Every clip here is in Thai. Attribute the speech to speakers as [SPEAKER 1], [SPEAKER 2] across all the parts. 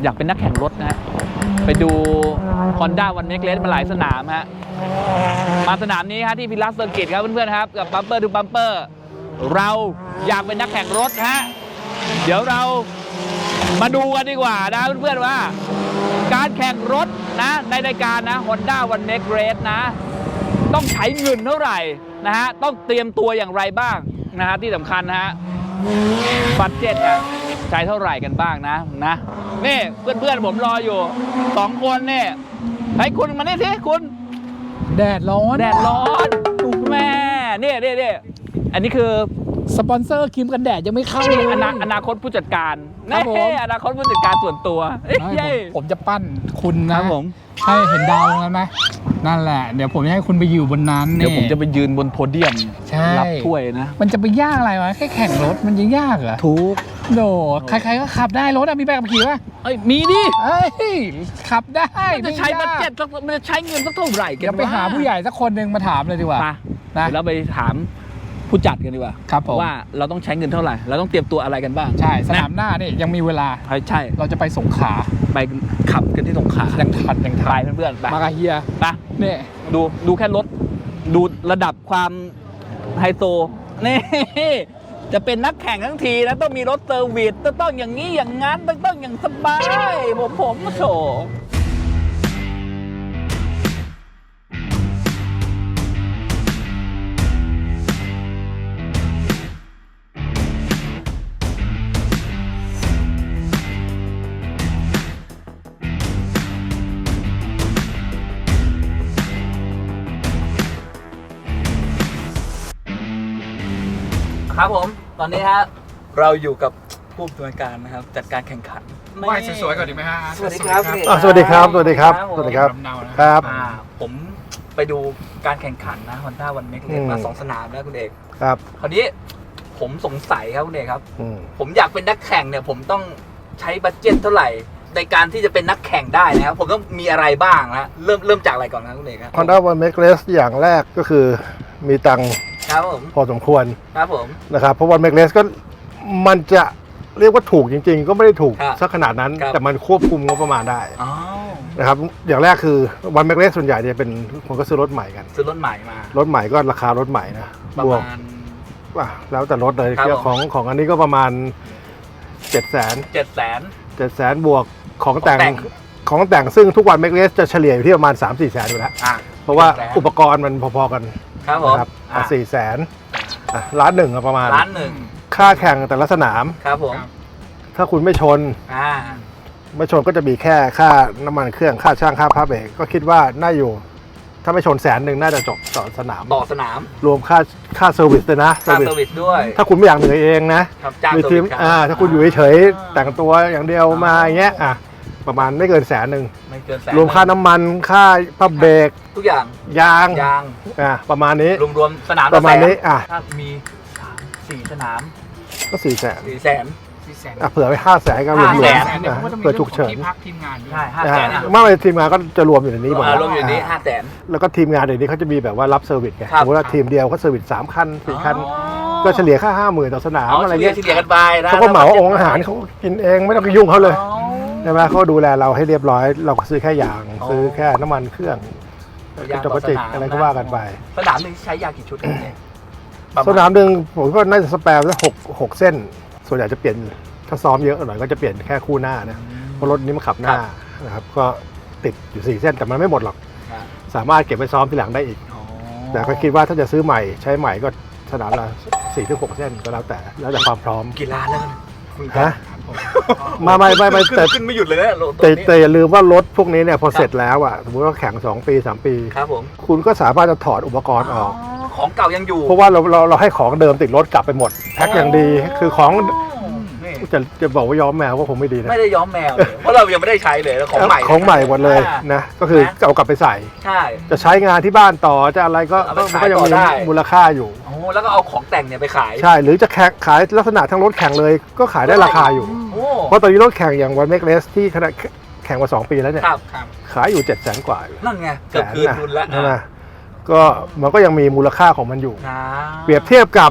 [SPEAKER 1] อยากเป็นนักแข่งรถนะฮะไปดู Honda One Make Race มาหลายสนามฮะมาสนามนี้ฮะที่พิลัสเซอร์กิตครับเพื่อนๆครับกับบัมเปอร์ดูบัมเปอร์เราอยากเป็นนักแข่งรถฮะเดี๋ยวเรามาดูกันดีกว่านะเพื่อนๆว่าการแข่งรถนะในรายการนะ Honda One Make Race นะต้องใช้เงินเท่าไหร่นะฮะต้องเตรียมตัวอย่างไรบ้างนะฮะที่สำคัญนะฮะบัดเจ็ตอ่ะใช้เท่าไหร่กันบ้างนะนี่เพื่อนๆผมรออยู่2คนเนี่ยให้คุณมานี่สิคุณ
[SPEAKER 2] แดดร้อน
[SPEAKER 1] แม่นี่อันนี้คือ
[SPEAKER 2] สปอนเซอร์ครีมกันแดดยังไม่เข้าเลย
[SPEAKER 1] อนาคตผู้จัดการอนาคตผู้จัดการส่วนตัว
[SPEAKER 2] ผมจะปั้นคุณนะผมให้เห็นดาวตรงนั้นไหมนั่นแหละเดี๋ยวผมจะให้คุณไปอยู่บนนั้น
[SPEAKER 1] เดี๋ยวผมจะไปยืนบนโพเดียมรับถ้วยนะ
[SPEAKER 2] มันจะไปยากอะไรวะแค่แข่งรถมันยังยากเหรอ
[SPEAKER 1] ถูก
[SPEAKER 2] โดใครๆก็ขับได้รถมีใบขับขี่ป่ะ
[SPEAKER 1] มีดิ
[SPEAKER 2] ขับได้
[SPEAKER 1] มันจะใช้บัตเจ็ตมันจะใช้เงินสักเท่าไหร่กัน
[SPEAKER 2] เดี๋ยวไปหาผู้ใหญ่สักคนหนึ่งมาถามเลยดีกว่า
[SPEAKER 1] นะแล้วไปถามผู้จัดกันดีกว่า
[SPEAKER 2] ครับผม
[SPEAKER 1] ว่าเราต้องใช้เงินเท่าไหร่เราต้องเตรียมตัวอะไรกันบ้าง
[SPEAKER 2] ใช่สนามหน้านี่ยังมีเวลา
[SPEAKER 1] ใช่
[SPEAKER 2] เราจะไปสงขลา
[SPEAKER 1] ไปขับกันที่สงขลา
[SPEAKER 2] ยังทัน
[SPEAKER 1] ไปเพื่อนๆ
[SPEAKER 2] มากาเฮีย
[SPEAKER 1] ไป
[SPEAKER 2] นี่
[SPEAKER 1] ดูแค่รถดูระดับความไฮโซนี่จะเป็นนักแข่งทั้งทีนะต้องมีรถเซอร์วิสต้องอย่างนี้อย่างนั้นต้องอย่างสบายผมโถครับผมตอนนี้ฮะเราอยู่กับผู้อำนวยการนะครับจัดการแข่งขัน
[SPEAKER 2] ไหว้สวยๆก่อนดีไหมฮะ
[SPEAKER 1] สวัสดีครับ
[SPEAKER 3] สวัสดีครับ
[SPEAKER 1] ครับผมไปดูการแข่งขันนะ Honda One Make Race มา2 สนามแล้วคุณเอก
[SPEAKER 3] ครับ
[SPEAKER 1] คราวนี้ผมสงสัยครับคุณเอกครับผมอยากเป็นนักแข่งเนี่ยผมต้องใช้บัดเจ็ตเท่าไหร่ในการที่จะเป็นนักแข่งได้นะครับผมต้องมีอะไรบ้างนะเริ่มจากอะไรก่อนนะคุณเอกครับ
[SPEAKER 3] Honda One Make Race อย่างแรกก็คือมีตังค์พอสมควร
[SPEAKER 1] ครับผม
[SPEAKER 3] นะครับเพราะ One Make Race ก็มันจะเรียกว่าถูกจริงๆก็ไม่ได้ถูกสักขนาดนั้นแต่มันควบคุมงบประมาณได้นะครับอย่างแรกคือ One Make Race ส่วนใหญ่จะเป็นคนก็ซื้อรถใหม่กัน
[SPEAKER 1] ซื้อรถใหม่มาร
[SPEAKER 3] ถใหม่ก็ราคารถใหม่นะ
[SPEAKER 1] ประมาณ
[SPEAKER 3] แล้วแต่รถเลยของอันนี้ก็ประมาณ700,000บวกของแต่งซึ่งทุกวัน Make Race จะเฉลี่ยอยู่ที่ประมาณ 3-4 แสนอยู่แล้วเพราะว่าอุปกรณ์มันพอๆกัน
[SPEAKER 1] ครับ
[SPEAKER 3] 400,000ล้านหนึ่งประมาณค่าแข่งแต่ละสนาม
[SPEAKER 1] ครับผม
[SPEAKER 3] ถ้าคุณไม่ชนก็จะมีแค่ค่าน้ำมันเครื่องค่าช่างค่าผ้าเบรกก็คิดว่าน่าอยู่ถ้าไม่ชน100,000น่าจะจบต่อสนามรวมค่าเซอร์วิสเลยนะ
[SPEAKER 1] เซอร์วิสด้วย
[SPEAKER 3] ถ้าคุณไม่อยากเหนื่อยเองนะมีทีมถ้าคุณอยู่เฉยๆแต่งตัวอย่างเดียวมาอย่างเงี้ยประมาณไม่เกิน100,000รวมค่าน้ำมันค่าผ้าเบรก
[SPEAKER 1] ทุกอย่าง
[SPEAKER 3] ยางประมาณนี้
[SPEAKER 1] รวมสนาม
[SPEAKER 3] ประมาณนี้
[SPEAKER 1] ถ้ามี4 สนาม
[SPEAKER 3] ก็400,000เผื่อไป500,000ก็รวมเผื่อฉุกเฉิน
[SPEAKER 2] ที่พักทีมงาน
[SPEAKER 1] ใช่500,000
[SPEAKER 3] ไม่ทีมงานก็จะรวมอยู่ในนี้หมด
[SPEAKER 1] รวมอยู่นี้500,000
[SPEAKER 3] แล้วก็ทีมงานเดี๋ยวนี้เขาจะมีแบบว่ารับเซอร์วิสไงสมมติว่าทีมเดียวเขาเซอร์วิส3 คัน4 คันก็เฉลี่ยค่า 50,000ต่อสนามอะไรเงี้ย
[SPEAKER 1] เฉลี่ยกันไปนะ
[SPEAKER 3] เขาก็เหมาองค์อาหารเขากินเองไม่ต้องไปยุ่งเขาเลยใช่ไหมเขาดูแลเราให้เรียบร้อยเราก็ซื้อแค่ยางซื้อแค่น้ำมันเครื่องจกจิกอะไรก็ว่ากันไป
[SPEAKER 1] สนามนึงใช้ยางกี่ชุด
[SPEAKER 3] สนามนึงผมก็น่าจะสแปร์ได้6 เส้นส่วนใหญ่จะเปลี่ยนถ้าซ้อมเยอะหน่อยก็จะเปลี่ยนแค่คู่หน้านะเพราะรถนี้มันขับหน้านะครับก็ติดอยู่4 เส้นแต่มันไม่หมดหรอกสามารถเก็บไปซ้อมทีหลังได้อีกแต่ก็คิดว่าถ้าจะซื้อใหม่ใช้ใหม่ก็สนามละ4-6 เส้นก็แล้วแต่ความพร้อม
[SPEAKER 1] กี่ล้านแล้ว
[SPEAKER 3] ฮะไม่
[SPEAKER 1] แต่ขึ้นไม่หยุดเลยนะ
[SPEAKER 3] แต่อย่าลืมว่ารถพวกนี้เนี่ยพอเสร็จแล้วสมมติว่าแข่ง2 ปี 3 ปี
[SPEAKER 1] ครับผม
[SPEAKER 3] คุณก็สามารถจะถอดอุปกรณ์ออก
[SPEAKER 1] ของเก่ายังอยู่
[SPEAKER 3] เพราะว่าเราให้ของเดิมติดรถกลับไปหมดแพ็คอย่างดีคือของจะบอกว่าย้อมแมวก็คงไม่ดีนะ
[SPEAKER 1] ไม่ได้ย้อมแมวเลยเพราะเรายังไม่ได้ใช้เลยของใหม่
[SPEAKER 3] หมดเลยนะก็คือเอากลับไปใส่จะใช้งานที่บ้านต่อจะอะไรก็ยังมีมูลค่าอยู่
[SPEAKER 1] แล้วก็เอาของแต่งเนี่ยไปขาย
[SPEAKER 3] ใช่หรือจะขายลักษณะทั้งรถแข่งเลยก็ขายได้ราคาอยู่เพราะตอนนี้รถแข่งอย่าง One Make Race ที่ขณะแข่งมา2 ปีแล้วเนี่ยขายอยู่700,000 กว่า
[SPEAKER 1] นั่นไงเกือบคืนทุนแล้ว
[SPEAKER 3] ก็มันก็ยังมีมูลค่าของมันอยู่เปรียบเทียบกับ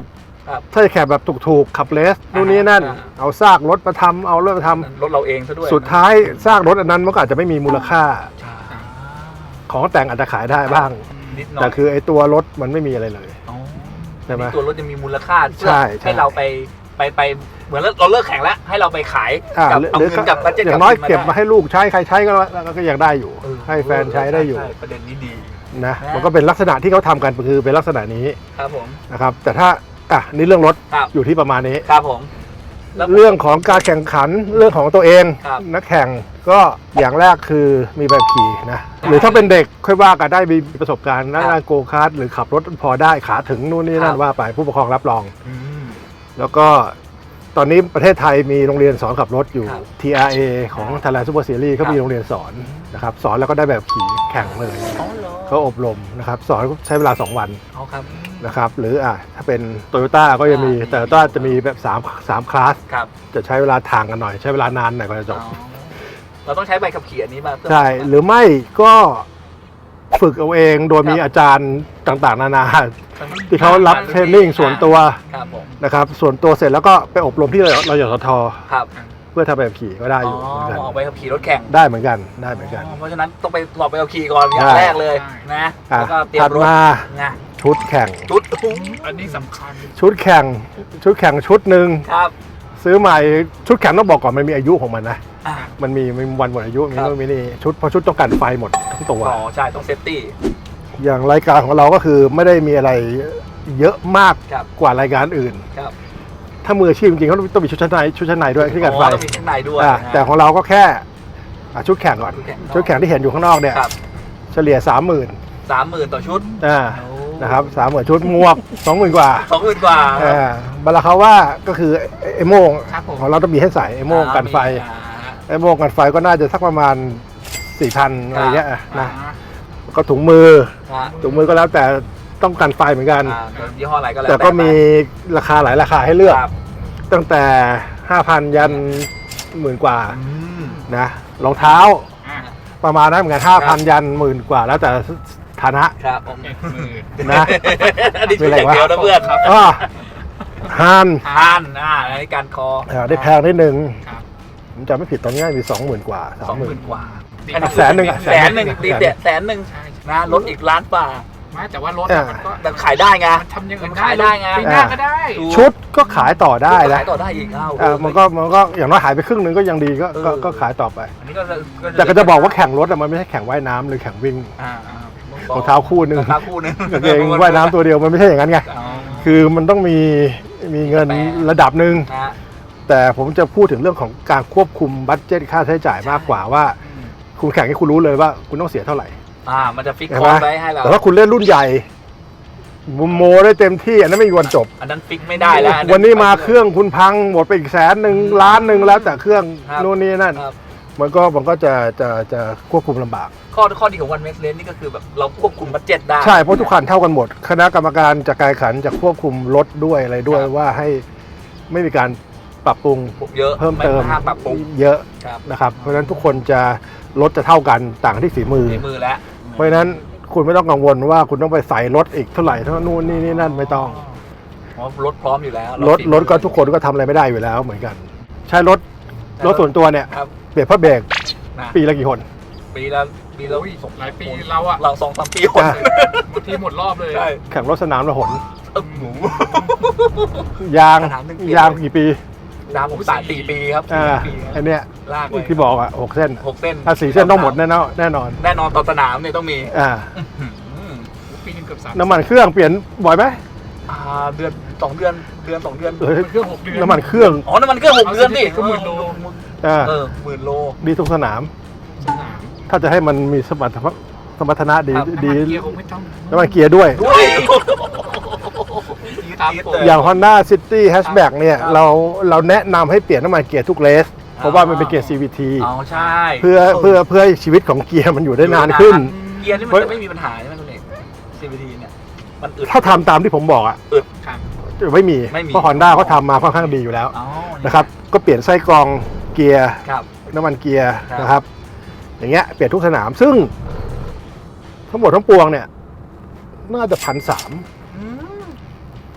[SPEAKER 1] ครับ
[SPEAKER 3] ถ้าจะแข่งแบบถูกๆขับเลสนู่นนี่นั่น เอาซากรถมาทำเอารถมาทำ
[SPEAKER 1] รถเราเองซะด้วย
[SPEAKER 3] สุดท้ายซากรถอันนั้นมันก็อาจจะไม่มีมูลค่า ของแต่งอาจจะขายได้บ้าง
[SPEAKER 1] นิดหน่อย
[SPEAKER 3] แต่คือไอ้ตัวรถมันไม่มีอะไรเลย
[SPEAKER 1] อ๋อ
[SPEAKER 3] ใช่ไหม
[SPEAKER 1] ตัวรถจะมีมูลค่าเพื่อ
[SPEAKER 3] ใช่
[SPEAKER 1] ให้เราไปเหมือนเราเลิกแข่งแล้วให้เราไปขาย
[SPEAKER 3] อ่า
[SPEAKER 1] กับเอา
[SPEAKER 3] หรือ
[SPEAKER 1] เงินกับบัตเจ็ต
[SPEAKER 3] อย่างน้อยเก็บมาให้ลูกใช้ใครใช้ก็ยังได้อยู่ ให้แฟนใช้ได้อยู่
[SPEAKER 1] ใช่ประเด็นนี้ดี
[SPEAKER 3] นะ
[SPEAKER 1] นะ
[SPEAKER 3] มันก็เป็นลักษณะที่เขาทำกันคือเป็นลักษณะนี้
[SPEAKER 1] ครับผม
[SPEAKER 3] นะครับแต่ถ้านี่เรื่องรถ
[SPEAKER 1] ครับ
[SPEAKER 3] อยู่ที่ประมาณนี้
[SPEAKER 1] ครับผมแล้ว
[SPEAKER 3] เรื่องของการแข่งขันเรื่องของตัวเอง
[SPEAKER 1] ครับ
[SPEAKER 3] นักแข่งก็อย่างแรกคือมีใบขับขี่นะหรือถ้าเป็นเด็กค่อยว่ากันได้มีประสบการณ์นั่งโกคาร์ทหรือขับรถพอได้ขาถึงนู่นนี่นั่นว่าไปผู้ปกครองรับรอง
[SPEAKER 1] อืม
[SPEAKER 3] แล้วก็ตอนนี้ประเทศไทยมีโรงเรียนสอนขับรถอยู่
[SPEAKER 1] ครับ
[SPEAKER 3] TRA ของ Thailand Super Series เขามีโรงเรียนสอนนะครับสอนแล้วก็ได้แบบขี่แข่งเลย
[SPEAKER 1] อ๋อเหรอ
[SPEAKER 3] เขาอบรมนะครับสอนใช้เวลา 2 วัน
[SPEAKER 1] เอาครับ
[SPEAKER 3] นะครับหรือถ้าเป็น Toyota ก็จะมีแต่ Toyota จะมีแบบ3คลาส
[SPEAKER 1] ครับ
[SPEAKER 3] จะใช้เวลาทางกันหน่อยใช้เวลานานหน่อยกว่าจะจบ
[SPEAKER 1] อ๋อเราต้องใช้ใบขับขี่อันนี้มาเพื่อ
[SPEAKER 3] ใช่หรือไม่ก็ฝึกเอาเองโดยมีอาจารย์ต่างๆ นานาที่เขารับเทรนนิ่งส่วนตัว
[SPEAKER 1] ครับผม
[SPEAKER 3] นะครับส่วนตัวเสร็จแล้วก็ไปอบรมที่เรายสท
[SPEAKER 1] ครับ
[SPEAKER 3] เพื่อทำแบบขี่ก็ได้
[SPEAKER 1] อ๋
[SPEAKER 3] อยู่เหมือนกัน
[SPEAKER 1] ออกใบขับขี่รถแข่ง
[SPEAKER 3] ได้เหมือนกันได้เหมือนกัน
[SPEAKER 1] เพราะฉะนั้นต้องไปสอบใบขับขี่ก่อนอย่าง
[SPEAKER 3] ใช่
[SPEAKER 1] แรกเลยนะแล้วก็เตรีย
[SPEAKER 3] ถั
[SPEAKER 1] ม
[SPEAKER 3] ด
[SPEAKER 1] รถ
[SPEAKER 3] มา
[SPEAKER 1] นะ
[SPEAKER 3] ชุดแข่ง
[SPEAKER 1] ชุด
[SPEAKER 2] อันนี้สำคัญ
[SPEAKER 3] ชุดแข่งชุดหนึ่ง
[SPEAKER 1] ครับ
[SPEAKER 3] ซื้อใหม่ชุดแข่งต้องบอกก่อนมันมีอายุของมันนะ
[SPEAKER 1] อ่า
[SPEAKER 3] มันมีวันหมดอายุมี
[SPEAKER 1] ครับ
[SPEAKER 3] นู่นมีนี่ชุดเพราะชุดต้องกันไฟหมดทั้งตัว
[SPEAKER 1] อ๋อใช่ต้องเซฟตี้
[SPEAKER 3] อย่างรายการของเราก็คือไม่ได้มีอะไรเยอะมาก
[SPEAKER 1] ครับ
[SPEAKER 3] กว่ารายการอื่น
[SPEAKER 1] ครับ
[SPEAKER 3] ถ้ามืออาชีพจริงๆเขาต้องมีชุดชั้นในด้วยที่กันไฟ
[SPEAKER 1] ต้องมีข้างในด้วย
[SPEAKER 3] แต่ของเราก็แค่ชุดแข่งก่อน
[SPEAKER 1] ชุดแข่ง
[SPEAKER 3] ชุดแข่งที่เห็นอยู่ข้างนอกเนี่ย
[SPEAKER 1] ครับ
[SPEAKER 3] เฉลี่ย 30,000
[SPEAKER 1] 30,000ต่อชุด
[SPEAKER 3] นะครับ30,000ชุดหมวก 20,000 กว่า
[SPEAKER 1] 20,000 กว่า
[SPEAKER 3] บาราคาว่าก็คือไอ้โม่ง
[SPEAKER 2] ครับผม
[SPEAKER 3] ของเราต้องมีให้ใส่ไอ้โม่งกันไฟไอ้โม่งกันไฟก็น่าจะสักประมาณ 4,000 อะไรเงี้ยนะก็ถุงมือก็แล้วแต่ต้องกันไฟเหมือนกัน
[SPEAKER 1] ยี่ห้ออะไรก็แล้ว
[SPEAKER 3] แต่ก็มีราคาหลายราคาให้เลือก
[SPEAKER 1] ครับ
[SPEAKER 3] ตั้งแต่ 5,000 ยัน10,000 กว่า
[SPEAKER 1] อืม
[SPEAKER 3] นะรองเท้าประมาณนั้นเหมือนกัน 5,000 ยัน10,000 กว่า แล้วแต่ฐานะครับ
[SPEAKER 1] ผม
[SPEAKER 3] นะ
[SPEAKER 1] อันนี้ชุดอย่างเดียวนะเพื่อน
[SPEAKER 3] อ้อฮาน
[SPEAKER 1] ทานอันนี้การคอ
[SPEAKER 3] ได้แพงนิดนึง
[SPEAKER 2] ครับ
[SPEAKER 3] ผมจำไม่ผิดตอนนี้มี 20,000 กว่า
[SPEAKER 1] 20,000 กว่า
[SPEAKER 3] แสนหนึ่ง
[SPEAKER 1] แสนหนึ่งตีเด็ดแสนหนึ่งนะลดอีกล้านกว่า
[SPEAKER 2] ไม่แต่ว่ารถมันก็
[SPEAKER 1] แต่ขายได้ไง
[SPEAKER 2] ทำอยังไง
[SPEAKER 1] มันขายได้ไง
[SPEAKER 2] ปีหน้าก็ได้
[SPEAKER 3] ชุดก็ขายต่อได้นะ
[SPEAKER 1] ขายต่อได้อีก
[SPEAKER 3] มันก็อย่างน้อยหายไปครึ่งหนึงก็ยังดีก็ขายต่อไป
[SPEAKER 1] อันนี้ก็
[SPEAKER 3] แต่ก็จะบอกว่าแข่งรถมันไม่ใช่แข่งว่ายน้ำหรือแข่งวิ่งรองเท้าคู่หนึ่ง
[SPEAKER 1] รองเท้าคู่หนึง
[SPEAKER 3] กางเกงว่ายน้ำตัวเดียวมันไม่ใช่อย่างนั้นไง
[SPEAKER 1] อ๋อ
[SPEAKER 3] คือมันต้องมีเงินระดับหนึ่ง
[SPEAKER 1] นะ
[SPEAKER 3] แต่ผมจะพูดถึงเรื่องของการควบคุมบัดเจ็ตค่าใช้จ่ายมากกว่าว่า คุณแข่งให้คุณรู้เลยว่าคุณต้องเสียเท่าไหร่
[SPEAKER 1] มันจะฟิก
[SPEAKER 3] เห็น
[SPEAKER 1] ค
[SPEAKER 3] ไห
[SPEAKER 1] อ
[SPEAKER 3] ม
[SPEAKER 1] ร์สไว้ให้เรา
[SPEAKER 3] แต่ถ้าคุณเล่นรุ่นใหญ่โมได้เต็มที่อันนั้นไม่มีวันจบ
[SPEAKER 1] อันนั้นฟิกไม่ได้แล้ว
[SPEAKER 3] วันนี้มาเครื่องคุณพังหมดไปอีก100,000 ล้านหนึ่งแล้วแต่เครื่อง
[SPEAKER 1] ครับ
[SPEAKER 3] โน่นนี่นั่น
[SPEAKER 1] ครับ
[SPEAKER 3] มันก็จะควบคุมลำบาก
[SPEAKER 1] ข้อดีของวันเมสเลนนี่ก็คือแบบเราควบคุมบัดเจ็ตได้
[SPEAKER 3] ใช่เพราะทุกคันเท่ากันหมด คณะกรรมการจัดการแข่งขันจะควบคุมรถด้วยอะไรด้วย
[SPEAKER 1] ครับ
[SPEAKER 3] ว่าให้ไม่มีการปรับปรุง
[SPEAKER 1] เยอะ
[SPEAKER 3] เพิ่มเติม
[SPEAKER 1] ห้ามปรับปรุง
[SPEAKER 3] เยอะ
[SPEAKER 1] ครับ
[SPEAKER 3] นะครับเพราะฉะนั้นทุกคนจะรถจะเท่ากันต่างที่ฝีมือ
[SPEAKER 1] ในมือแล้ว
[SPEAKER 3] เพราะฉะนั้นคุณไม่ต้องกังวลว่าคุณต้องไปใส่รถอีกเท่าไหร่เท่านู่นนี่นั่นไม่ต้อง
[SPEAKER 1] เพราะรถพร้อมอยู่แล้ว
[SPEAKER 3] รถก็ทุกคนก็ทำอะไรไม่ได้อยู่แล้วเหมือนกัน ใช้รถส่วนตัวเนี่ย
[SPEAKER 1] ครับ
[SPEAKER 3] เปลี่ยนผ้าเบรก
[SPEAKER 1] นะ
[SPEAKER 3] ปีละกี่คน
[SPEAKER 1] ปีละ
[SPEAKER 2] โอ้ยหลายปีเราอะ
[SPEAKER 1] เรา2-3 ปีคน
[SPEAKER 3] อ่ะ
[SPEAKER 2] บางทีหมดรอบเลย
[SPEAKER 1] ใช่
[SPEAKER 3] แข่งรถสนามละหน
[SPEAKER 1] หมู
[SPEAKER 3] ยาง
[SPEAKER 1] สนามหนึ่งเปลี่ยน
[SPEAKER 3] ยางกี่ปี
[SPEAKER 1] ดามผม4 ปีครับ
[SPEAKER 3] อัน
[SPEAKER 1] 4 ปี
[SPEAKER 3] เนี้ย
[SPEAKER 1] ลากไป
[SPEAKER 3] ที่บอกอ่ะ6 เส้น
[SPEAKER 1] 6 เส้น
[SPEAKER 3] ถ้า4 เส้นต้องหมดแน่นอน
[SPEAKER 1] แน่นอนต่อสนามเนี่ยต้องมี อืม
[SPEAKER 2] ปีนึงเกือบ3
[SPEAKER 3] น้ำมันเครื่องเปลี่ยนบ่อยไหม
[SPEAKER 1] เดือน 2 เดือน2 เดือน
[SPEAKER 2] เครื่อง6 เดือน
[SPEAKER 3] น้ำมันเครื่อง
[SPEAKER 1] อ๋อน้ำมันเครื่อง6 เดือนดิ
[SPEAKER 2] ก็10,000 โล
[SPEAKER 1] 10,000 โล
[SPEAKER 3] ดีทุกสนาม
[SPEAKER 2] สนาม
[SPEAKER 3] ถ้าจะให้มันมีสมรรถนะดี
[SPEAKER 1] ครับ
[SPEAKER 3] ดี
[SPEAKER 2] น้ำมันเกียร์คงไม่ต้อง
[SPEAKER 3] น้ำมันเกียร์ด้วย
[SPEAKER 1] ด้วย
[SPEAKER 2] ครับผม
[SPEAKER 3] อย่าง Honda City Hatchback เนี่ยเราแนะนำให้เปลี่ยนน้ำมันเกียร์ทุกเลส เพราะว่ามันเป็นเกียร์ CVT
[SPEAKER 1] อ๋อใช่
[SPEAKER 3] เพื่อให้ชีวิตของเกียร์มันอยู่ได้นานขึ้น
[SPEAKER 1] เกียร์นี่มันจะไม่มีปัญหาใช่ไหมคุณเอก CVT เนี่ยมันอึด
[SPEAKER 3] ถ้าทำตามที่ผมบอกอ่ะ
[SPEAKER 2] ครับ
[SPEAKER 3] จะไม่มี
[SPEAKER 1] ไม่มี
[SPEAKER 3] เพราะ Honda เขาทำมาค่อนข้างดีอยู่แล้ว
[SPEAKER 1] อ๋อ
[SPEAKER 3] นะครับก็เปลี่ยนไส้กรองเกียร์
[SPEAKER 1] ครับ
[SPEAKER 3] น้ำมันเกียร์
[SPEAKER 1] ครับ
[SPEAKER 3] นะครับ อย่างเงี้ยเปลี่ยนทุกสนามซึ่งทั้งหมดทั้งปวงเนี่ยน่าจะ1,300
[SPEAKER 1] อืม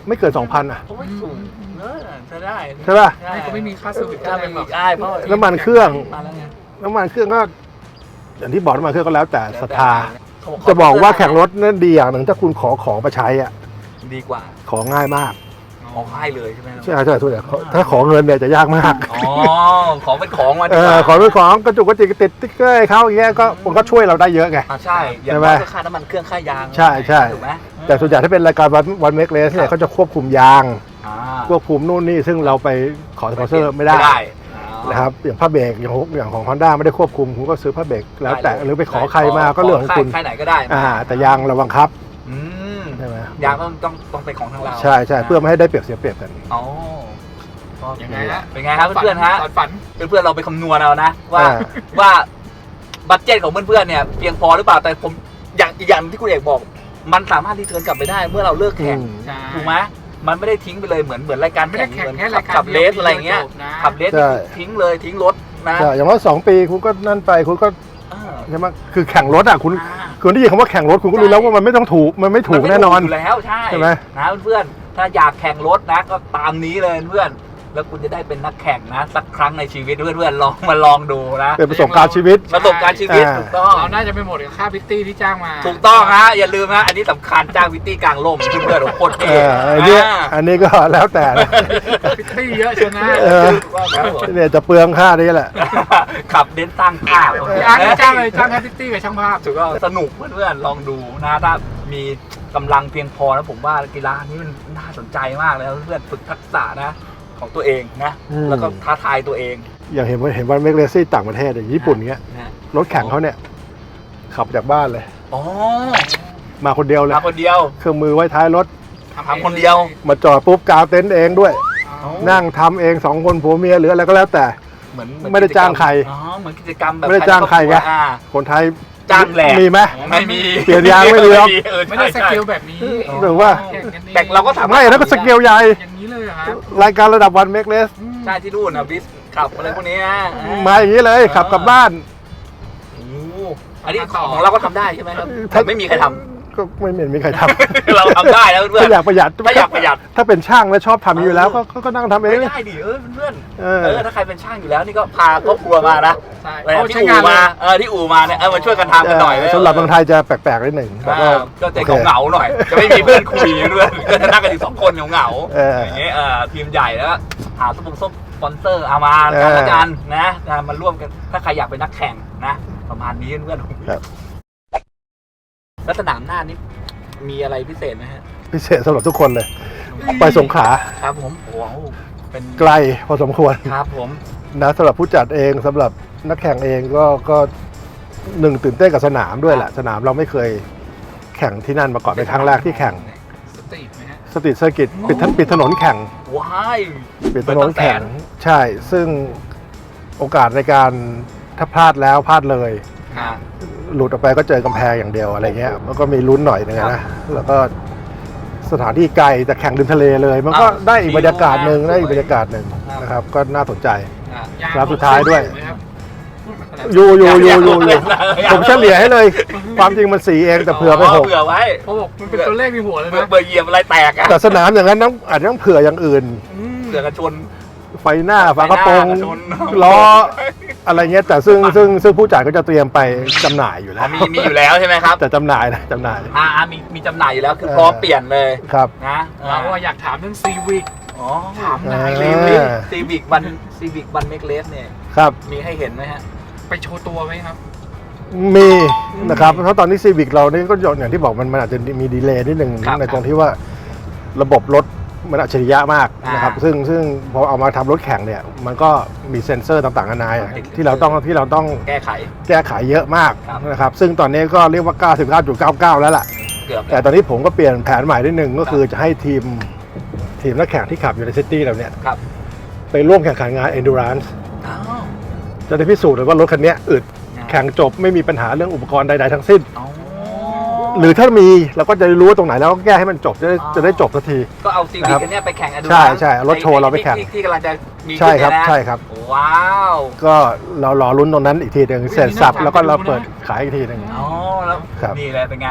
[SPEAKER 3] ไม่เกิน 2,000อ่ะ
[SPEAKER 1] ผมว่าสูงเนอะใช้ได้
[SPEAKER 3] ใช่ป่ะ
[SPEAKER 2] ไม่ก็ไม่มีค่าเซอร์วิส
[SPEAKER 1] ถ้า
[SPEAKER 2] อะไร
[SPEAKER 1] ไม่
[SPEAKER 2] หร
[SPEAKER 1] มี
[SPEAKER 2] อก
[SPEAKER 1] ได้เพราะ
[SPEAKER 3] น้ำมันเครื่อง
[SPEAKER 1] มาแล้วไง
[SPEAKER 3] น้ำมันเครื่องก็อย่างที่บอกน้ำมันเครื่องก็แล้วแต่ศรัทธา
[SPEAKER 1] เขา
[SPEAKER 3] จะบอกว่าแข่งรถนั่นดีอย่างหนึ่งถ้าคุณขอของมาใช้อ่ะ
[SPEAKER 1] ดีกว่า
[SPEAKER 3] ของง่ายมาก
[SPEAKER 1] ของให้เลยใช่ไหมครับ
[SPEAKER 3] ใช่ใช่ทุกอย่างถ้าขอเงินเนี่ยจะยากมาก
[SPEAKER 1] อ๋อของเป็นของมาดี
[SPEAKER 3] เอก
[SPEAKER 1] ว่า
[SPEAKER 3] อขอเป็นของกระจุกกระจิกติดติ๊กเกอร์ให้เขาอย่างเงี้ยก็มันก็ช่วยเราได้เยอะไง
[SPEAKER 1] ใช่อย่าง
[SPEAKER 3] ใช่ไหม
[SPEAKER 1] น้อยก็ค่าน้ำมันเครื่องค่ายาง
[SPEAKER 3] ใช่ใช่
[SPEAKER 1] ถูกไหม
[SPEAKER 3] แต่ส่วนใหญ่ถ้าเป็นรายการวันเมกเลสเนี่ยเขาจะควบคุมยาง
[SPEAKER 1] อ่า
[SPEAKER 3] ควบคุมนู่นนี่ซึ่งเราไปขอสปอนเซอร์ไม่ได้
[SPEAKER 1] อ๋อ
[SPEAKER 3] นะครับอย่างผ้าเบรกอย่างของ Honda ไม่ได้ควบคุมคุณก็ซื้อผ้าเบรกแล้วแต่หรือไปขอใครมาก็เรื่องของคุณ
[SPEAKER 1] ค่ายไหนก็ได้
[SPEAKER 3] แต่ยางเราบังคับ
[SPEAKER 1] อืม
[SPEAKER 3] ใช่ไหม
[SPEAKER 1] ยางต้องเป็นของทางเรา
[SPEAKER 3] ใช่ใช่เพื่อไม่ให้ได้เปรียบเสียเปรียบกัน
[SPEAKER 1] อ๋อ
[SPEAKER 2] ยังไงฮะ
[SPEAKER 1] เป็นไงครับเพื่อนๆฮะ
[SPEAKER 2] ฝัน
[SPEAKER 1] เพื่อนๆเราไปคำนวณเอานะว่าบัตเจ็ตของเพื่อนๆเนี่ยเพียงพอหรือเปล่าแต่ผมอย่างที่คุณเอกบอก มันสามารถรีเทิร์นกลับไปได้เมื่อเราเลิกแข่ง
[SPEAKER 2] ใช่
[SPEAKER 1] ถูกไหมมันไม่ได้ทิ้งไปเลยเหมือนรายการ
[SPEAKER 2] ไม่ได้แข่ง
[SPEAKER 1] เหมือน
[SPEAKER 2] แค่รายการ
[SPEAKER 1] ขับเลสอะไรเงี้ย
[SPEAKER 2] จบนะ
[SPEAKER 1] ขับเลสนี่คือทิ้งเลยทิ้งรถนะ
[SPEAKER 3] ใช่อย่างน้อย2 ปีคุณก็นั่นไปคุณก็
[SPEAKER 1] เออ
[SPEAKER 3] ใช่ไหมคือแข่งรถอ่ะคุณ
[SPEAKER 1] อ่า
[SPEAKER 3] คุณได้ยินคำว่าแข่งรถคุณก็รู้แล้วว่ามันไม่ต้องถูกมันไม่ถูกแน่นอน
[SPEAKER 1] มัไม่ถูกอยู่แล้วใช่
[SPEAKER 3] ใช่ไหม
[SPEAKER 1] นะเพื่อนๆถ้าอยากแข่งรถนะก็ตามนี้เลยเพื่อนแล้วคุณจะได้เป็นนักแข่งนะสักครั้งในชีวิตเพื่อนๆลองดูนะ
[SPEAKER 3] เป็นประสบการณ์ชีวิต
[SPEAKER 1] ประสบการณ์ชีวิต
[SPEAKER 3] อ่า
[SPEAKER 1] ถูกต้อง
[SPEAKER 2] เราน่าจะไปหมดกับค่าพิตตี้ที่จ้างมา
[SPEAKER 1] ถูกต้องฮะอย่าลืมฮะอันนี้สำคัญจ้างวิตตี้กลางล่มเพื่อนๆโคตร
[SPEAKER 3] เอ
[SPEAKER 1] เท่
[SPEAKER 3] อันนี้อันนี้ก็แล้วแต่นะ
[SPEAKER 2] พิตตี้เยอะเชียวนะ
[SPEAKER 3] เออ
[SPEAKER 1] ครับผม
[SPEAKER 3] เนี่ยจะเปลืองค่านี้แหละ
[SPEAKER 1] ขับเน้นสร้างภาพ
[SPEAKER 2] พี่อาร์ตไม่จ้างเลยจ้างแค่พิตตี้กับช่างภาพ
[SPEAKER 1] ถูกต้องสนุกเพื่อนๆลองดูนะถ้ามีกำลังเพียงพอนะผมว่ากีฬานี้มันน่าสนใจมากเลยเพื่อนๆฝึกทักษะนะของตัวเองนะ
[SPEAKER 3] อืม
[SPEAKER 1] แล้วก็ท้าทายตัวเอง
[SPEAKER 3] อย่างเห็นวันเมกเลซี่ต่างประเทศอย่างญี่ปุ่นเงี้ย
[SPEAKER 1] นะ
[SPEAKER 3] รถแข่งเขาเนี่ยขับจากบ้านเลย
[SPEAKER 1] อ๋อ
[SPEAKER 3] มาคนเดียวเลย
[SPEAKER 1] มาคนเดียว
[SPEAKER 3] เครื่องมือไว้ท้ายรถ
[SPEAKER 1] ทำคนเดียว
[SPEAKER 3] มาจอดปุ๊บกาวเต็นท์เองด้วย
[SPEAKER 2] อ๋อ
[SPEAKER 3] นั่งทำเอง2 คนผัวเมียหรืออะไรก็แล้วแต่
[SPEAKER 1] เหมือน
[SPEAKER 3] ไม่ได้จ้างใคร
[SPEAKER 1] อ๋อเหมือนกิจกรรมแบบ
[SPEAKER 3] ไม่ได้จ้างใครไง
[SPEAKER 1] อ่า
[SPEAKER 3] คนไทย
[SPEAKER 1] จ้างแหลก
[SPEAKER 3] มีไหม
[SPEAKER 1] ไม่มี
[SPEAKER 3] เปลี่ยนยางไม่มีหรอก
[SPEAKER 1] เออ
[SPEAKER 2] ไม่ได้ส
[SPEAKER 1] ใช่
[SPEAKER 2] กิลแบบนี้
[SPEAKER 3] หรือว่า
[SPEAKER 2] แข่งกันอง
[SPEAKER 1] แต่เราก็สามารถ
[SPEAKER 3] ไม่แล้วก็สเกลใหญ่
[SPEAKER 2] อย่างนี้เลยเหรอครับ
[SPEAKER 3] รายการระดับวันเมกเลส
[SPEAKER 1] ใช่ที่นู่นนะบิสขับอะไรพวกนี้นะ
[SPEAKER 3] มาอย่างนี้เลยขับกลับบ้าน
[SPEAKER 1] โอ้โหอันนี้ของเราก็ทำได้ใช่ไหมครับแต่ไม่มีใครทำ
[SPEAKER 3] ก็ไม่เห็นมีใครทำ
[SPEAKER 1] เราทำได้แล้วเพื่อน
[SPEAKER 3] ถ้าอยากประหยัด
[SPEAKER 1] ถ้าอยากประหยัด
[SPEAKER 3] ถ้าเป็นช่างแล้วชอบทำอยู่แล้วก็นั่งทำเอง
[SPEAKER 1] ไม่ได้ดิเพื่อน
[SPEAKER 3] เออ
[SPEAKER 1] ถ้าใครเป็นช่างอยู่แล้วนี่ก็พาครอบครัวมานะ
[SPEAKER 2] ใช่
[SPEAKER 1] ไป
[SPEAKER 2] เขา
[SPEAKER 1] ที่
[SPEAKER 2] ใช้
[SPEAKER 1] อู่
[SPEAKER 2] งานเลย
[SPEAKER 1] มาที่อู่มาเนี่ยมาช่วยกันทำกันหน่อย
[SPEAKER 3] สำหรับเมืองไทยจะแปลกๆนิดหนึ่งแต่ก็
[SPEAKER 1] ก็จะเหงาๆหน่อย จะไม่มีเพื่อนคุยเพื่อนก็จะนั่งกันอยู่2 คนเหงา
[SPEAKER 3] เออ
[SPEAKER 1] ๆ
[SPEAKER 3] อ
[SPEAKER 1] อย่างเงี้ยทีมใหญ่แล้วหาสปอนเซอร์เอามากันละกันนะมาร่วมกันถ้าใครอยากเป็นนักแข่งนะประมาณนี้เพื่อน
[SPEAKER 3] ครับ
[SPEAKER 1] แล้วสนามหน้านี้มีอะไรพิเศษไหมฮะ
[SPEAKER 3] พิเศษสำหรับทุกคนเลย ไปสงขลา
[SPEAKER 1] ครับผมโอ้โหเป็น
[SPEAKER 3] ไกลพอสมควร
[SPEAKER 1] ครับผม
[SPEAKER 3] นะสำหรับผู้จัดเองสำหรับนักแข่งเองก็หนึ่งตื่นเต้นกับสนามด้วยแหละสนามเราไม่เคยแข่งที่นั่นมาก่อนเป็นครั้งแรกที่แข่ง
[SPEAKER 2] สตรีทไหมฮะ
[SPEAKER 3] สตรีทเซอร์กิตปิดถนนแข่ง
[SPEAKER 1] ว้าย
[SPEAKER 3] ปิดถนนแข่งใช่ ซึ่งโอกาสในการถ้าพลาดแล้วพลาดเลย
[SPEAKER 1] อ่า
[SPEAKER 3] หลุดออกไปก็เจอกำแพงอย่างเดียวอะไรเงี้ยมันก็มีลุ้นหน่อยนึง
[SPEAKER 1] ครั
[SPEAKER 3] นะ
[SPEAKER 1] บ
[SPEAKER 3] แล้วก็สถานที่ไกลแต่แข่งริมทะเลเลย มันก็
[SPEAKER 1] อ้าว
[SPEAKER 3] ได้อีกบรรยากาศหนึ่ง
[SPEAKER 1] สวย
[SPEAKER 3] ได้อีกบรรยากาศหนึ่ง
[SPEAKER 1] ครับ
[SPEAKER 3] นะครับ ก็น่าสนใจ
[SPEAKER 1] อ่า
[SPEAKER 2] ยาง
[SPEAKER 3] ครับสุดท้ายด้วย
[SPEAKER 2] ไหมครับ
[SPEAKER 3] อยู่
[SPEAKER 1] อยาก
[SPEAKER 3] ผมเฉลี่ยให้เลย ความจริงมัน4เองแต่เผื่อไป6
[SPEAKER 1] เผื่อไว้
[SPEAKER 2] เขาบอกมันเป็นตัวเลขในหัวเลย
[SPEAKER 1] เบื่อ
[SPEAKER 2] นะ
[SPEAKER 1] เบื่อเหยียบอะไรแตกอะ
[SPEAKER 3] แต่สนามอย่างนั้นอาจจะต้องเผื่ออย่างอื่น
[SPEAKER 1] เผื่อกระชน
[SPEAKER 3] ไฟหน้าฝากระโปรง
[SPEAKER 1] ไฟหน้ากระชน
[SPEAKER 3] ล้ออะไรเงี้ยแต่ซึ่งผู้จ่ายก็จะเตรียมไปจำหน่ายอยู่แล้ว
[SPEAKER 1] มีอยู่แล้วใช่ไหมครับ
[SPEAKER 3] แต่จำหน่ายนะจำหน่าย
[SPEAKER 1] มีจำหน่ายอยู่แล้วคือพร้อมเปลี่ยนเลย
[SPEAKER 3] ครับ
[SPEAKER 1] นะ
[SPEAKER 2] เราก็อยากถามเรื่องซีวิก
[SPEAKER 1] อ๋อ
[SPEAKER 2] ถามนาย
[SPEAKER 3] เอ
[SPEAKER 2] เล
[SPEAKER 3] อ
[SPEAKER 2] ย
[SPEAKER 1] ซีวิกวันเมกเลสเนี่ย
[SPEAKER 3] ครับ
[SPEAKER 1] มีให้เห็นไหมฮะ
[SPEAKER 2] ไปโชว์ตัวไหมครับ
[SPEAKER 3] มีนะครับเพราะตอนนี้ซีวิกเรานี่ก็อย่างที่บอกมันอาจจะมีดีเลย์นิดหนึ่ง
[SPEAKER 1] ครับ
[SPEAKER 3] ในตรงที่ว่าระบบรถมันอัจฉริยะมากนะครับ ซึ่งพอเอามาทำรถแข่งเนี่ยมันก็มีเซ็นเซอร์ต่างๆนานาที่เราต้อง
[SPEAKER 1] แก้ไข
[SPEAKER 3] แก้ไขเยอะมาก
[SPEAKER 1] ครับ
[SPEAKER 3] นะครับซึ่งตอนนี้ก็เรียกว่า 99.99 แล้วล่ะ
[SPEAKER 1] เกือบ
[SPEAKER 3] แต่ตอนนี้ผมก็เปลี่ยนแผนใหม่นิดนึงก็คือจะให้ทีมนักแข่งที่ขับอยู่ในซิตี้เราเนี่ย
[SPEAKER 1] ครับ
[SPEAKER 3] ไปร่วมแข่งขันงาน endurance
[SPEAKER 1] อ้าว
[SPEAKER 3] จะได้พิสูจน์เลยว่ารถคันนี้อึดแข่งจบไม่มีปัญหาเรื่องอุปกรณ์ใดๆทั้งสิ้น
[SPEAKER 1] อ๋อ
[SPEAKER 3] หรือถ้ามีเราก็จะรู้ว่าตรงไหนแล้วก็แก้ให้มันจบจะได้จบสักที
[SPEAKER 1] ก็เอาซีวิกอันเนี้ยไปแข่งอดู
[SPEAKER 3] ใช่เอารถโชว์เราไปแข่ง
[SPEAKER 1] ที่กำลังจะมี
[SPEAKER 3] ใช่ครับ
[SPEAKER 1] ขึ้นเนี่ยนะ
[SPEAKER 3] ใช่ครับ
[SPEAKER 1] ว้าว
[SPEAKER 3] ก็เรารอลุ้นตรงนั้นอีกทีหนึ่งเสร็จสับแล้วก็เราเปิดขายอีกทีหนึ่ง
[SPEAKER 1] อ๋อแล้ว
[SPEAKER 3] ครับ
[SPEAKER 1] นี่เลยเป็นไง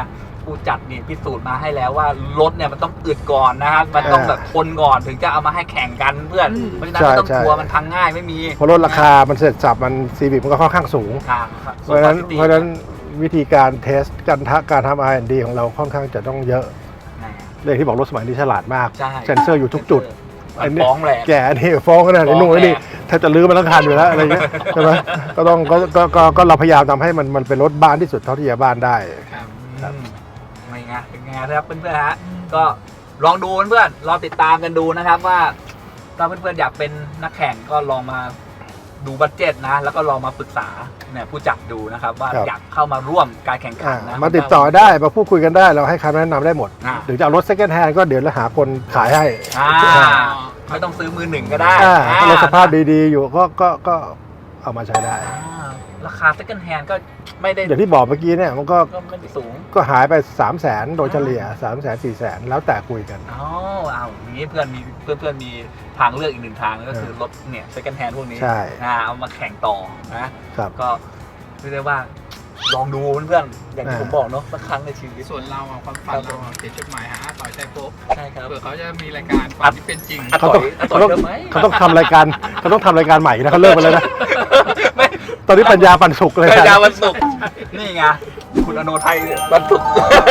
[SPEAKER 1] ผู้จัดนี่พิสูจน์มาให้แล้วว่ารถเนี่ยมันต้องอึดก่อนนะครับมันต้องแบบทนก่อนถึงจะเอามาให้แข่งกันเพื่อนเพราะฉะนั้นไม่ต้องกลัวมันพังง่ายไม่มี
[SPEAKER 3] เพราะลดราคามันเสร็จสับมันซีวิ c มันก็ค่อนข้างสูง
[SPEAKER 1] ครับ
[SPEAKER 3] เพราะฉะนั้นวิธีการเทสการทำ R&D ของเราค่อนข้างจะต้องเยอะเลยที่บอกรถสมัยนี้ฉลาดมาก
[SPEAKER 1] ใช่
[SPEAKER 3] เซ็นเซอร์อยู่ทุกจุด
[SPEAKER 1] มันฟ้องแหละ
[SPEAKER 3] แกนี่ฟ้องขนาดนี้นู่นนี่แทบจะลื้อมันทั้งคันอยู่แล้วอะไรเงี้ยใช่ไหมก็ต้องก็เราพยายามทำให้มันเป็นรถบ้านที่สุดเท่าที่จะบ้านได้ ครับ
[SPEAKER 1] ไม่ไงเป็นไงครับเพื่อนๆฮะก็ลองดูเพื่อนๆลองติดตามกันดูนะครับว่าถ้าเพื่อนๆอยากเป็นนักแข่งก็ลองมาดูบัดเจ็ตนะแล้วก็ลองมาปรึกษาเนี่ยผู้จัดดูนะครับว่าอยากเข้ามาร่วมการแข่งขันนะ
[SPEAKER 3] มาติดต่อได้มาพูดคุยกันได้เราให้คำแนะนำได้หมด
[SPEAKER 1] อ่า
[SPEAKER 3] หรือจะเอารถ second hand ก็เดี๋ยวเราหาคนขายให้
[SPEAKER 1] ไม่ต้องซื้อมือหนึ่งก็ได้
[SPEAKER 3] ถ้ารถสภาพดีๆอยู่ก็เอามาใช้ได้
[SPEAKER 1] ราคา second hand ก็ไม่ได้
[SPEAKER 3] อย่างที่บอกเมื่อกี้เนี่ยมันก็
[SPEAKER 1] ไม่ได้สูง
[SPEAKER 3] ก็หายไป 300,000 โดยเฉลี่ย 300,000 400,000 แล้วแต่คุยกัน
[SPEAKER 1] อ๋อเอาอย่างนี้เพื่อนมีทางเลือกอีกหนึ่งทางก็คือรถเนี่ย second hand พวกนี้
[SPEAKER 3] ใช่
[SPEAKER 1] เอามาแข่งต่อนะครับ ก็เรียกได้ว่าลองดูเพื่อนๆอย่างที่ผมบอกเนาะสักครั้งในชีวิต
[SPEAKER 2] ส่วนเราอะความฝันเราอะเขียนจดหมายหาอาต่อยใจโป๊ะ
[SPEAKER 1] ใช่ครับ
[SPEAKER 2] เผื่อเขาจะมีรายการฝันที่เป็นจริง
[SPEAKER 3] เขาต้อง
[SPEAKER 1] ต่อยเยอะไหม
[SPEAKER 3] เขาต้องทำรายการใหม่นะเขาเลิกไปแล้วนะ
[SPEAKER 1] ไม่
[SPEAKER 3] ตอนนี้ปัญญาปันสุกเลย
[SPEAKER 1] ปัญญาวันศุกร์นี่ไงคุณอโนไทยวันศุกร์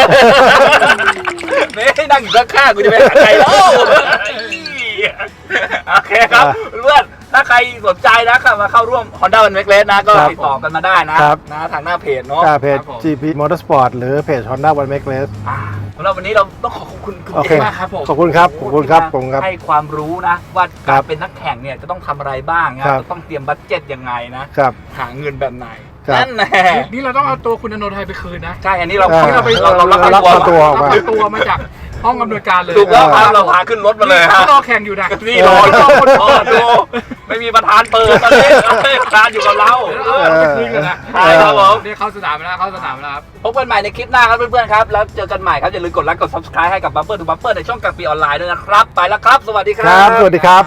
[SPEAKER 1] นี่นั่งอยู่ข้างๆกูจะไปหาใครแล้วโอเคครับเพื่อนถ้าใครสนใจนะครับมาเข้าร่วม Honda One Make Race นะก็ติดต่อกันมาได้นะทางหน้าเพจเนาะ
[SPEAKER 3] เพจ GP Motorsport หรือเพจ Honda One Make Race
[SPEAKER 1] สำหรับวันนี้เราต้องขอบคุณคุณ
[SPEAKER 3] โอเค
[SPEAKER 1] เอกมากครับผม
[SPEAKER 3] ขอบคุณครับขอบคุณครับผมครับ
[SPEAKER 1] ให้ความรู้นะว่าการเป็นนักแข่งเนี่ยจะต้องทำอะไรบ้างนะจะต้องเตรียมบัดเจ็ตยังไงนะครับหาเงินแบบไหน
[SPEAKER 3] ครับ
[SPEAKER 1] นั่นแหละ
[SPEAKER 2] นี่เราต้องเอาตัวคุณอโนไทยไปคืนนะ
[SPEAKER 1] ใช่อันนี้เรา
[SPEAKER 3] เรารับ
[SPEAKER 1] ตัว
[SPEAKER 3] ออกมา
[SPEAKER 2] เอาตัวมาจากห้องอำนวยการเลย
[SPEAKER 1] ถูกแล้วครับเราพาขึ้นรถมาเลย
[SPEAKER 2] เขารอแข่งอยู่นะ
[SPEAKER 1] นี่รอคนพอดูไม่มีประธานเปิดตอนนี้ประธานอยู่กับเรา
[SPEAKER 2] เอาไปคืนกันนะ
[SPEAKER 1] ใช่ครับผม
[SPEAKER 2] นี่เข้าสนามแล้วครับ
[SPEAKER 1] พบกันใหม่ในคลิปหน้าครับเพื่อนๆครับแล้วเจอกันใหม่ครับอย่าลืมกดไลค์กด subscribe ให้กับ Bumper to Bumper ในช่องกลางปีออนไลน์ด้วยนะครับไปแล้วครับสวัสดีค
[SPEAKER 3] ค
[SPEAKER 1] รั
[SPEAKER 3] รับ บ สวัสดีครับ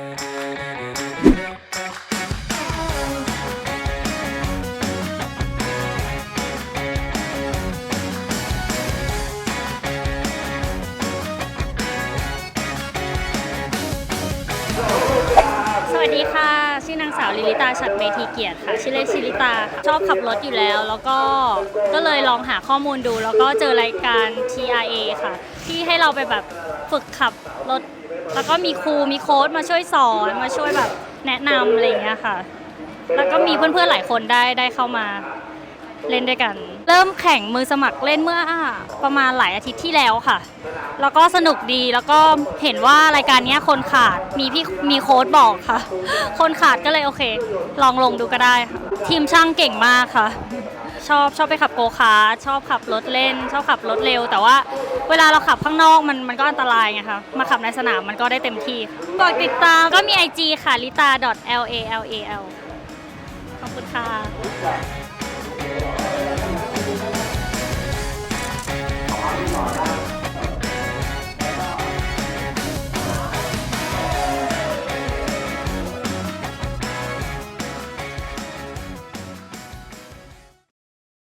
[SPEAKER 4] สวัสดีค่ะ ชื่อนางสาวลิลิตาฉัตรเมธีเกียรติค่ะ ชื่อเล่นชิลิตาค่ะชอบขับรถอยู่แล้ว แล้วก็เลยลองหาข้อมูลดู แล้วก็เจอรายการ TRA ค่ะ ที่ให้เราไปแบบฝึกขับรถ แล้วก็มีครูมีโค้ชมาช่วยสอนมาช่วยแบบแนะนำอะไรอย่างเงี้ยค่ะ แล้วก็มีเพื่อนๆหลายคนได้เข้ามาเล่นด้วยกัน เริ่มแข่งมือสมัครเล่นเมื่อประมาณหลายอาทิตย์ที่แล้วค่ะ แล้วก็สนุกดีแล้วก็เห็นว่ารายการนี้คนขาดมีโค้ดบอกค่ะ คนขาดก็เลยโอเค ลองลงดูก็ได้ค่ะทีมช่างเก่งมากค่ะ ชอบไปขับโกคาร์ทชอบขับรถเล่น ชอบขับรถเร็ว แต่ว่าเวลาเราขับข้างนอกมันก็อันตรายไงคะมาขับในสนามมันก็ได้เต็มที่ฝากติดตามก็มี IG ค่ะ lita.lal ขอบคุณค่ะ